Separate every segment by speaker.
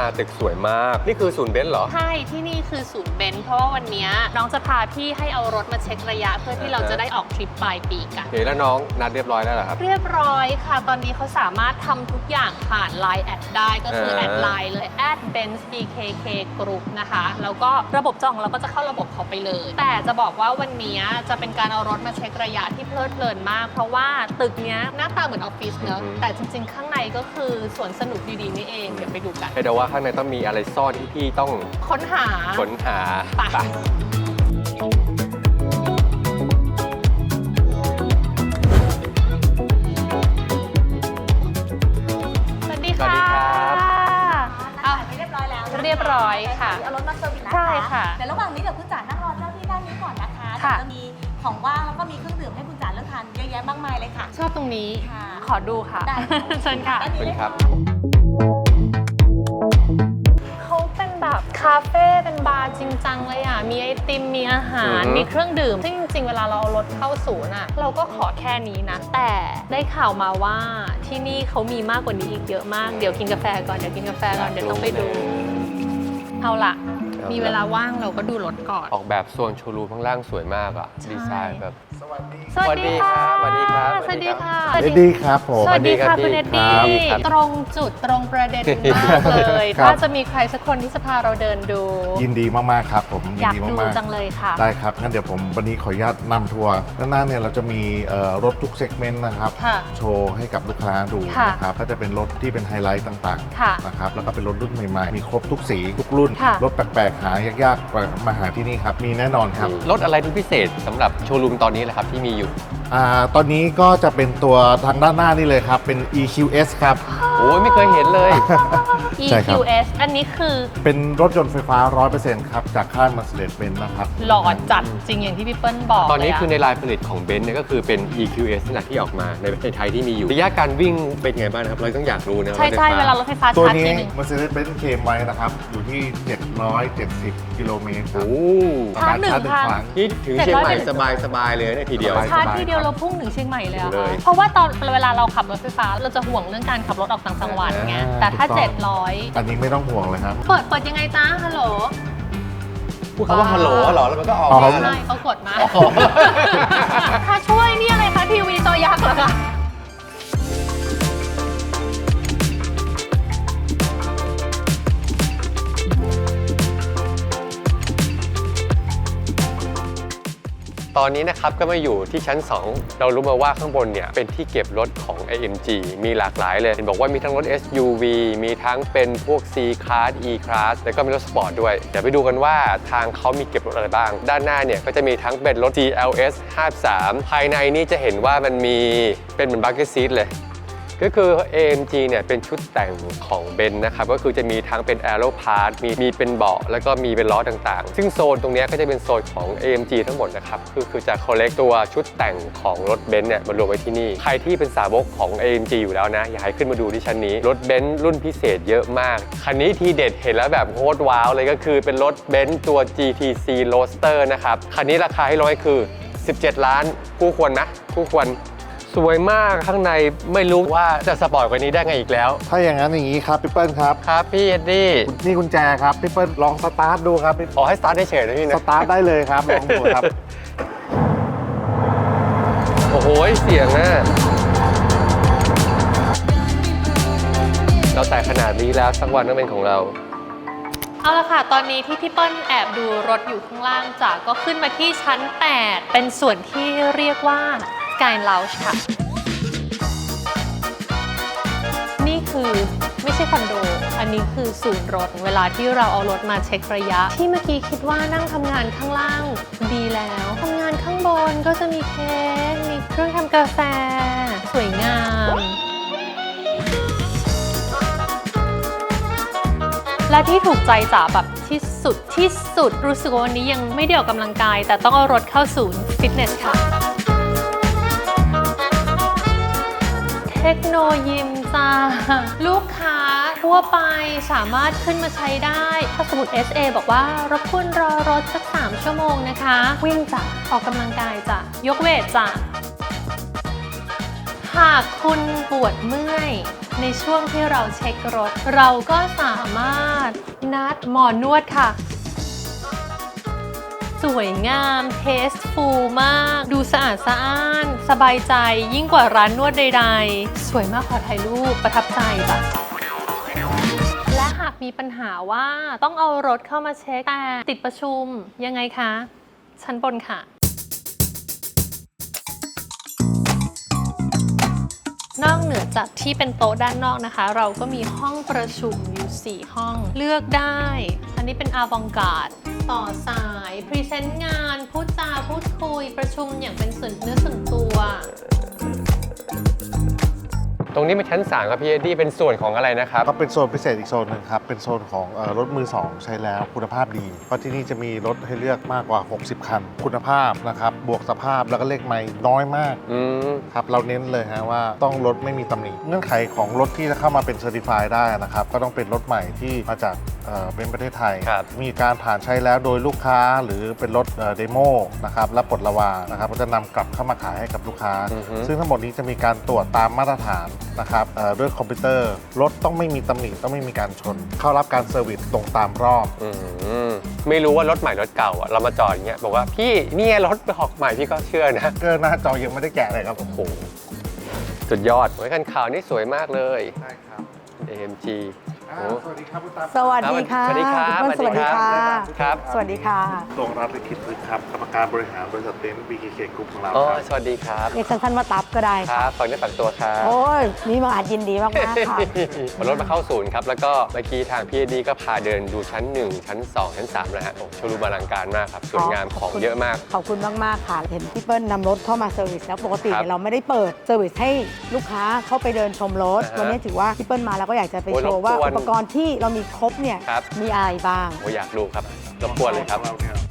Speaker 1: ตึกสวยมากนี่คือศูนย์เบนซ์เหรอ
Speaker 2: ใช่ที่นี่คือศูนย์เบนซ์เพราะว่าวันนี้น้องจะพาพี่ให้เอารถมาเช็คระยะเพื่อที่เราจะได้ออกทริปปลายปีกัน
Speaker 1: เดี๋ยวแล้วน้องนัดเรียบร้อยแล้วเหรอครับ
Speaker 2: เรียบร้อยค่ะตอนนี้เขาสามารถทำทุกอย่างผ่าน Line แอดได้ก็คือแอดไลน์เลย @benzbkk group นะคะแล้วก็ระบบจองเราก็จะเข้าระบบเขาไปเลยแต่จะบอกว่าวันนี้จะเป็นการเอารถมาเช็คระยะที่เพลิดเพลินมากเพราะว่าตึกนี้หน้าตาเหมือนออฟฟิศเนอะแต่จริงๆข้างในก็คือสวนสนุกดีๆนี่เองเดี๋ยวไปดูกัน
Speaker 1: ให้เดาว่าข้างในต้องมีอะไรซ่อนที่พี่ต้อง
Speaker 2: ค้นหา
Speaker 1: ไป
Speaker 2: สวัสดีค่ะ
Speaker 3: เรียบร้อยแล้ว
Speaker 2: เรียบร้อยค่ะ
Speaker 3: เอารถมาเซอร์วิสนะคะ
Speaker 2: ใช่ค่ะ
Speaker 3: เดี๋ยวระหว่างนี้เดี๋ยวคุณจ๋านั่งรอเจ้าที่ด้านนี้ก่อนนะคะเดี๋ยวจะมีของว่างแล้วก็มีเครื่องดื่มให้คุณจ๋าเลือกทานเยอะแยะมากมายเลยค่ะ
Speaker 2: ชอบตรงนี้ขอดูค่ะเชิญค่ะ
Speaker 1: เป็นครับ
Speaker 2: เขาเป็นแบบคาเฟ่เป็นบาร์จริงจังเลยอ่ะมีไอติมมีอาหารมีเครื่องดื่มซึ่งจริงๆเวลาเราเอารถเข้าศูนย์อ่ะเราก็ขอแค่นี้นะแต่ได้ข่าวมาว่าที่นี่เขามีมากกว่านี้อีกเยอะมากเดี๋ยวกินกาแฟก่อนเดี๋ยวต้องไปดูเอาล่ะมีเวลาว่างเราก็ดูรถก่อน
Speaker 1: ออกแบบโซนโชว์รูมข้างล่างสวยมากอ่ะดีไซน์แบบ
Speaker 2: สวัสดีค่ะ
Speaker 1: สวัสดีครับ
Speaker 2: สวัสดีค่ะ
Speaker 4: เอ็ดดี้ครับผม
Speaker 2: สวัสดีค่ะคุณเอ็ดดี้ตรงจุดตรงประเด็นมากเลยถ้าจะมีใครสักคนที่จะพาเราเดินดู
Speaker 4: ยินดีมากๆครับผม
Speaker 2: อยากดูจังเลยค่ะ
Speaker 4: ได้ครับงั้นเดี๋ยวผมวันนี้ขออนุญาตนำทัวร์ด้านหน้าเนี่ยเราจะมีรถทุกเซกเมนต์นะครับโชว์ให้กับลูกค้าดูนะครับก็จะเป็นรถที่เป็นไฮไลท์ต่างๆนะครับแล้วก็เป็นรถรุ่นใหม่ๆมีครบทุกสีทุกรุ่นรถแปลกๆหายากๆมาหาที่นี่ครับมีแน่นอนครับ
Speaker 1: รถอะไรที่พิเศษสำหรับโชว์รูมตอนนี้แหละครับที่มีอยู่
Speaker 4: ตอนนี้ก็จะเป็นตัวทางด้านหน้านี่เลยครับเป็น EQS ครับ
Speaker 1: โอ้ยไม่เคยเห็นเลย
Speaker 2: EQS อันนี้คือ
Speaker 4: เป็นรถยนต์ไฟฟ้า 100% ครับจากค่าย Mercedes-Benz นะครับ
Speaker 2: หล่อจัดจริงอย่างที่พี่เปิ้ลบอก
Speaker 1: ตอนนี้คือในลายผลิตของเบนซ์เนี่ยก็คือเป็น EQS ขนาดที่ออกมาในประเทศไทยที่มีอยู่ระยะการวิ่งเป็นไงบ้างครับเราต้องอยากรู้นะ
Speaker 2: ใช่เวลารถไฟฟ้า
Speaker 4: ตัว
Speaker 2: ชาร์จ
Speaker 4: นี้
Speaker 2: ทีนึง
Speaker 4: Mercedes-Benz เคลมไว้นะครับอยู่ที่770กิโลเมตรครับ
Speaker 2: ชาร์จ1 ครั้ง
Speaker 1: นี่ถึงเชียงใหม่สบายเลยเนี่ยทีเดียว
Speaker 2: ชาร์จทีเดียวเราพุ่งถึงเชียงใหม่เลยอะเพราะว่าตอนเวลาเราขับรถไฟฟ้าเราจะห่วงเรื่องการขับรถออกต่างจังหวัดไงแต่ถ้า700
Speaker 4: อันนี้ไม่ต้องห่วงเลยครับ
Speaker 2: เปิดยังไงจ้าฮัลโหล
Speaker 1: พูดคำว่าฮัลโหลเหรอแล้วมันก็ออก
Speaker 2: ใช่เขากดมาถ้าช่วยนี่อะไรคะทีวีจอยักษ์เหรอคะ
Speaker 1: ตอนนี้นะครับก็มาอยู่ที่ชั้น 2เรารู้มาว่าข้างบนเนี่ยเป็นที่เก็บรถของ AMG มีหลากหลายเลยเห็นบอกว่ามีทั้งรถ SUV มีทั้งเป็นพวก C Class E Class แล้วก็มีรถสปอร์ตด้วยเดี๋ยวไปดูกันว่าทางเขามีเก็บรถอะไรบ้างด้านหน้าเนี่ยก็จะมีทั้งเป็นรถ GLS 53ภายในนี่จะเห็นว่ามันมีเป็นเหมือนบัคเก็ตซีทเลยก็คือ AMG เนี่ยเป็นชุดแต่งของเบนซ์นะครับก็คือจะมีทั้งเป็น Aero Part มีเป็นเบาะแล้วก็มีเป็นล้อต่างๆซึ่งโซนตรงนี้ก็จะเป็นโซนของ AMG ทั้งหมดนะครับคือจะ collect ตัวชุดแต่งของรถเบนซ์เนี่ยมารวมไว้ที่นี่ใครที่เป็นสาวกของ AMG อยู่แล้วนะอยากให้ขึ้นมาดูที่ชั้นนี้รถเบนซ์รุ่นพิเศษเยอะมากคันนี้ทีเด็ดเห็นแล้วแบบโคตรว้าวเลยก็คือเป็นรถเบนซ์ตัว GTC Roadster นะครับคันนี้ราคาให้ร้อยคือ17 ล้านคู่ควรนะคู่ควรสวยมากข้างในไม่รู้ว่าจะสปอร์ตกว่านี้ได้ไงอีกแล้ว
Speaker 4: ถ้าอย่างนั้นอย่างนี้ครับพี่เปิ้ลครับ
Speaker 1: ครับพี่เอ็ดดี้
Speaker 4: นี่กุญแจครับพี่เปิ้ลลองสตาร์ทดูครับ
Speaker 1: ขอให้สตาร์ทได้เฉยนะพี่นะ
Speaker 4: สตาร์ทได้เลยครับลองดูครับ
Speaker 1: โอ้โหเสียงนะเราแต่ขนาดนี้แล้วสักวันต้องเป็นของเรา
Speaker 2: เอาละค่ะตอนนี้ที่พี่เปิ้ลแอบดูรถอยู่ข้างล่างจากก็ขึ้นมาที่ชั้น 8เป็นส่วนที่เรียกว่าSky Lounge ค่ะนี่คือไม่ใช่คอนโดอันนี้คือศูนย์รถเวลาที่เราเอารถมาเช็คระยะที่เมื่อกี้คิดว่านั่งทำงานข้างล่างดีแล้วทำงานข้างบนก็จะมีเค้กมีเครื่องทำกาแฟสวยงามและที่ถูกใจจ๋าแบบที่สุดรู้สึกว่าวันนี้ยังไม่ได้ออกกำลังกายแต่ต้องเอารถเข้าศูนย์ฟิตเนสค่ะเทคโนยิมจ้าลูกค้าทั่วไปสามารถขึ้นมาใช้ได้ถ้าสมมติ SA บอกว่ารบกวนรอรถสัก3 ชั่วโมงนะคะวิ่งจ้ะออกกำลังกายจ้ะยกเวทจ้ะหากคุณปวดเมื่อยในช่วงที่เราเช็ครถ เราก็สามารถนัดหมอนวดค่ะ สวยงามเทสฟูลมาก ดูสะอาดสะอ้าน สบายใจยิ่งกว่าร้านนวดใดๆ สวยมากขอถ่ายรูปประทับใจจ้ะและหากมีปัญหาว่าต้องเอารถเข้ามาเช็คแต่ติดประชุมยังไงคะ ชั้นบนค่ะ นอกเหนือจากที่เป็นโต๊ะด้านนอกนะคะ เราก็มีห้องประชุมอยู่ 4 ห้องเลือกได้ อันนี้เป็นอาวองการ์ดต่อสาย พรีเซนต์งาน พูดจาพูดคุยประชุมอย่างเป็นส่วนเนื้อส่วนตัว
Speaker 1: ตรงนี้เป็นชั้น3ครับพี่เอ็ดดี้เป็นส่วนของอะไรนะครับ
Speaker 4: ก็เป็นโซนพิเศษอีกโซนหนึ่งครับ เป็นโซนของรถมือ 2 ใช้แล้วคุณภาพดี เพราะที่นี่จะมีรถให้เลือกมากกว่า 60 คัน คุณภาพนะครับ บวกสภาพแล้วก็เลขไมล์น้อยมากครับ เราเน้นเลยฮะว่าต้องรถไม่มีตำหนิ เงื่อนไขของรถที่จะเข้ามาเป็นเซอร์ติฟายได้นะครับ ก็ต้องเป็นรถใหม่ที่มาจากเป็นประเทศไทย มีการผ่านใช้แล้วโดยลูกค้าหรือเป็นรถเดโมนะครับและปลดระวางนะครับก็จะนำกลับเข้ามาขายให้กับลูกค้า ซึ่งทั้งหมดนี้จะมีการตรวจตามมาตรฐานนะครับด้วยคอมพิวเตอร์รถต้องไม่มีตำหนิต้องไม่มีการชน เข้ารับการเซอร์วิสตรงตามรอบ
Speaker 1: ไม่รู้ว่ารถใหม่รถเก่าอ่ะเรามาจอดอย่างเงี้ยบอกว่าพี่นี่รถออกใหม่พี่ก็เชื่อนะ
Speaker 4: ก็หน้าจอยังไม่ได้แกะเลยครับ
Speaker 1: โอ้โหสุดยอดไว้คันขาวนี่สวยมากเลย
Speaker 4: ใช่ครับ
Speaker 1: AMG
Speaker 4: สวัสดีครับคุณตา
Speaker 3: สวัสดีค่ะ
Speaker 1: สวัสดีครับ
Speaker 3: สวัสดีค่ะ
Speaker 1: ครับ
Speaker 3: สวัสดีค่ะ
Speaker 4: ตรงรัฐลิขิตฤทธิ์ครับกรรมการบริหารบริษัทเต็นท์ BKK Group ของเรา
Speaker 1: อ๋อ
Speaker 4: ครับ
Speaker 1: สวัสดีครับ
Speaker 3: เรียกสั้นๆว่าตับก็ได้
Speaker 1: ค
Speaker 3: ค่ะ
Speaker 1: รับฝากเนื้อฝากตัวครับ
Speaker 3: โอ้ยนี่มาอาจยินดีมากๆค่ะ
Speaker 1: รถมาเข้าศูนย์ครับ แล้วก็เมื่อกี้ทางพี่เอ็ดดี้ก็พาเดินดูชั้น 1 ชั้น 2 ชั้น 3 นะฮะโอ้โชว์รูมอลังการมากครับ สวยงามของเยอะมาก
Speaker 3: ขอบคุณมาก ๆ ค่ะ เห็นพี่เปิ้ลนำรถเข้ามาเซอร์วิสแล้วปกติ
Speaker 1: ครับ
Speaker 3: เนี่ยเราไม่ได้เปิดเซอร์วิสให้ลูกค้าเข้าไปเดินชมรถ วันนี้ถือว่าพี่เปิ้ลมาแล้วก็อยากจะไป
Speaker 1: โอ้ย
Speaker 3: โชว์ว่าร
Speaker 1: บกวน
Speaker 3: อุปกรณ์ที่เรามีครบเนี่ย
Speaker 1: ครับ
Speaker 3: มีอะไรบ้าง
Speaker 1: โอ้อยากดูครับรบกวนเลยครับ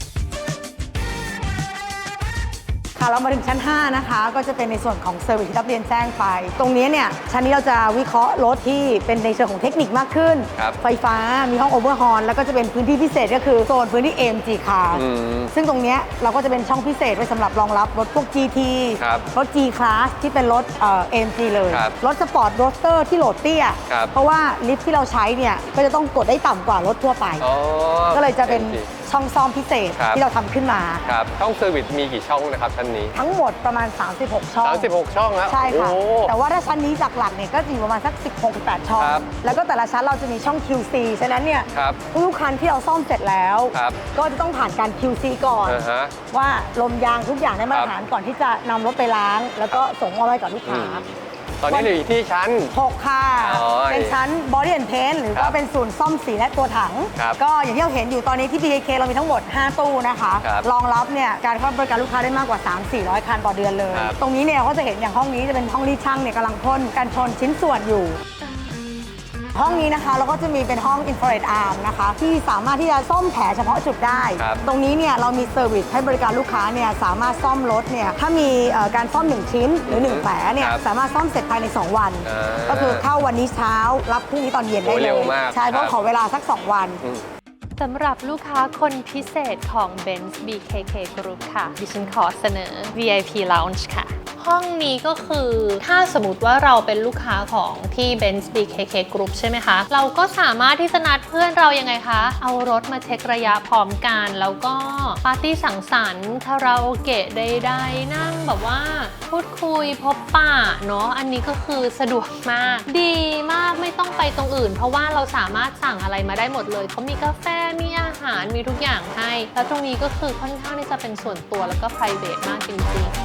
Speaker 3: ค่ะเรามาถึงชั้น 5 นะคะ ก็จะเป็นในส่วนของเซอร์วิสที่รับเรียนแจ้งไป ตรงนี้เนี่ยชั้นนี้เราจะวิเคราะห์รถที่เป็นในเชิงของเทคนิคมากขึ้น
Speaker 1: ครับ
Speaker 3: ไฟฟ้ามีห้องโอเวอร์ฮอลแล้วก็จะเป็นพื้นที่พิเศษก็คือโซนพื้นที่ AMG Car ซึ่งตรงเนี้ยเราก็จะเป็นช่องพิเศษไว้สำหรับรองรับรถพวก GT
Speaker 1: ครับ
Speaker 3: รถ G Class ที่เป็นรถAMG เลย
Speaker 1: ครับ
Speaker 3: รถสปอร์ตโรสเตอร์ที่โหลดเตี้ย
Speaker 1: ครับ
Speaker 3: เพราะว่าลิฟท์ที่เราใช้เนี่ยก็จะต้องกดได้ต่ำกว่ารถทั่วไป
Speaker 1: อ๋อ
Speaker 3: ก็เลยจะเป็น
Speaker 1: AMG
Speaker 3: ช่องซ่อมพิเศษ
Speaker 1: ครับ
Speaker 3: ที่เราทำขึ้นมา
Speaker 1: ครับช่องเซอร์วิสมีกี่ช่องนะครับชั้นนี้
Speaker 3: ทั้งหมดประมาณ 36 ช่อง
Speaker 1: 36 ช่องแล้ว
Speaker 3: ใช่ค่ะ
Speaker 1: โอ้
Speaker 3: แต่ว่าถ้าชั้นนี้หลักๆเนี่ยก็จะอยู่ประมาณสัก 16-18 ช่อง
Speaker 1: ครับ
Speaker 3: แล้วก็แต่ละชั้นเราจะมีช่อง QC ฉะนั้นเนี่ย
Speaker 1: ครับ
Speaker 3: ทุกคันที่เราซ่อมเสร็จแล้ว
Speaker 1: ครับ
Speaker 3: ก็จะต้องผ่านการ QC ก่อน
Speaker 1: อ่าฮะ
Speaker 3: ว่าลมยางทุกอย่างได้มาตรฐานก่อนที่จะนำรถไปล้าง แล้วก็ส่งมอบให้กับลูกค้า
Speaker 1: ตอนนี้เราอยู่ที่ชั้น
Speaker 3: 6 ค่ะ
Speaker 1: อ๋อ
Speaker 3: เป็นชั้น Body and Paint หรือ
Speaker 1: ครั
Speaker 3: ว่า
Speaker 1: บ
Speaker 3: เป็นศูนย์ซ่อมสีและตัวถัง
Speaker 1: ครับ
Speaker 3: ก็อย่างที่เราเห็นอยู่ตอนนี้ที่ BKK เรามีทั้งหมด 5 ตู้นะคะ
Speaker 1: ครับ
Speaker 3: รองรับเนี่ยการเข้าบริการลูกค้าได้มากกว่า 300-400 คันต่อเดือนเลย
Speaker 1: ครับ
Speaker 3: ตรงนี้เนี่ยก็จะเห็นอย่างห้องนี้จะเป็นห้องที่ช่างเนี่ยกำลังพ่นกันชนชิ้นส่วนอยู่ ห้องนี้นะคะเราก็จะมีเป็นห้อง infrared arm นะคะที่สามารถที่จะซ่อมแผลเฉพาะจุดได้
Speaker 1: ครับ
Speaker 3: ตรงนี้เนี่ยเรามีเซอร์วิสให้บริการลูกค้าเนี่ยสามารถซ่อมรถเนี่ยถ้ามีการซ่อม1ชิ้นหรือ1แผลเนี่ย
Speaker 1: ครับ
Speaker 3: สามารถซ่อมเสร็จภายใน2 วัน
Speaker 1: อ่า
Speaker 3: ก็คือเข้าวันนี้เช้ารับพรุ่งนี้ตอนเย็นได้
Speaker 1: โอ้ย
Speaker 3: เล
Speaker 1: เร็วย มาก
Speaker 3: ใช่เพ
Speaker 1: ครั
Speaker 3: ราะ
Speaker 1: บ
Speaker 3: ขอเวลาสัก 2 วัน
Speaker 2: สำหรับลูกค้าคนพิเศษของ Benz BKK Group ค่ะ ดิฉันขอเสนอ VIP Lounge ค่ะ ห้องนี้ก็คือถ้าสมมติว่าเราเป็นลูกค้าของที่ Benz BKK Group ใช่ไหมคะ เราก็สามารถที่จะนัดเพื่อนเรายังไงคะ เอารถมาเช็คระยะพร้อมกัน แล้วก็ปาร์ตี้สังสรรค์คาราโอเกะใดๆนั่งแบบว่าพูดคุยพบปะเนาะอันนี้ก็คือสะดวกมาก ดีมากไม่ต้องไปตรงอื่น เพราะว่าเราสามารถสั่งอะไรมาได้หมดเลยเขามีกาแฟมีอาหารมีทุกอย่างให้ แล้วตรงนี้ก็คือค่อนข้างที่จะเป็นส่วนตัวแล้วก็ private มากจริงๆ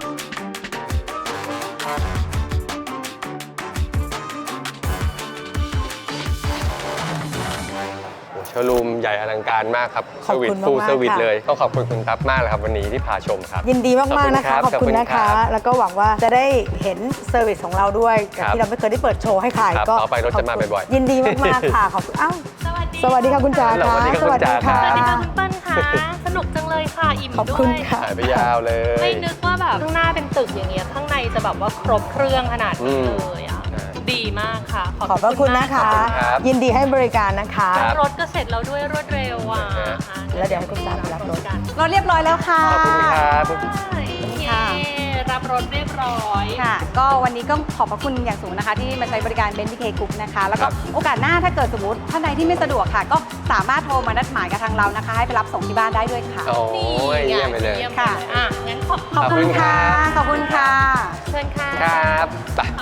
Speaker 1: โชว์รูมใหญ่อลังการมากครับ
Speaker 3: ขอบคุณ
Speaker 1: ฟูล
Speaker 3: มากๆ
Speaker 1: เซอร์วิส
Speaker 3: ค่ะ
Speaker 1: เลยต้องขอบคุณคุณตั๊บมากเลยครับวันนี้ที่พาชมครับ
Speaker 3: ยินดีมากๆนะคะขอบคุณนะ
Speaker 1: รั
Speaker 3: คะ แล้วก็หวังว่าจะได้เห็นเซอร์วิสของเราด้วยกับ
Speaker 1: ครับ
Speaker 3: ที่เราไม่เคยได้เปิดโชว์ให้ใคร
Speaker 1: ครับ
Speaker 3: ก็
Speaker 1: ต่อไปรถจะมาบ่อยๆ
Speaker 3: ยินดีมากๆค่ะขอบคุณอ้าว สวัสดีค่ะคุณจ๋า
Speaker 1: สวัสดีครับคุณจ๋าครับ
Speaker 2: สวัสดีค่ะคุณเปิ้ลค่ะ สนุกจังเลยค่ะ อิ่ม
Speaker 3: ขอบ
Speaker 2: ด้
Speaker 3: คุ
Speaker 2: ว
Speaker 3: ณ
Speaker 2: ย
Speaker 3: ค่ะ
Speaker 1: หายไปยาวเลย
Speaker 2: ไม่นึกว่าแบบข้างหน้าเป็นตึกอย่างเงี้ยข้างในจะแบบว่าครบเครื่องขนาดนี้เลยอ่ะ ดีมากค่ะ
Speaker 3: ขอบพระคุณนะคะ
Speaker 1: ขอบคุณครับ
Speaker 3: ยินดีให้บริการนะคะ
Speaker 1: ครับ
Speaker 2: รถก็เสร็จแล้วด้วยรวดเร็วอ่ะ
Speaker 3: แล้วเดี๋ยวให้คุณจ๋าไปรับรถ
Speaker 2: กัน
Speaker 3: เราเรียบร้อยแล้วค่ะ
Speaker 1: ขอบคุณครับ
Speaker 2: เย้รับรถเรียบร้อย
Speaker 5: ค่ะ ก็วันนี้ก็ขอบพระคุณอย่างสูงนะคะ ที่มาใช้บริการเบนซ์บีเคกรุ๊ปนะคะ แล้ว
Speaker 1: ค
Speaker 5: ก็
Speaker 1: รับ
Speaker 5: โอกาสหน้าถ้าเกิดสมมติท่านใดที่ไม่สะดวกค่ะ ก็สามารถโทรมานัดหมายกับทางเรานะคะ ให้ไปรับส่งที่บ้านได้ด้วยค่ะ
Speaker 1: โอ้
Speaker 2: นี่
Speaker 1: ยเยี่ยมไปเลย
Speaker 2: เยี่ยมไป
Speaker 5: ค่ะ
Speaker 2: เลยอ่ะงั้นขอบ
Speaker 5: ขอบคุณค่ะ ขอบคุณค่ะ
Speaker 2: เชิญค่ะ
Speaker 1: ครับไป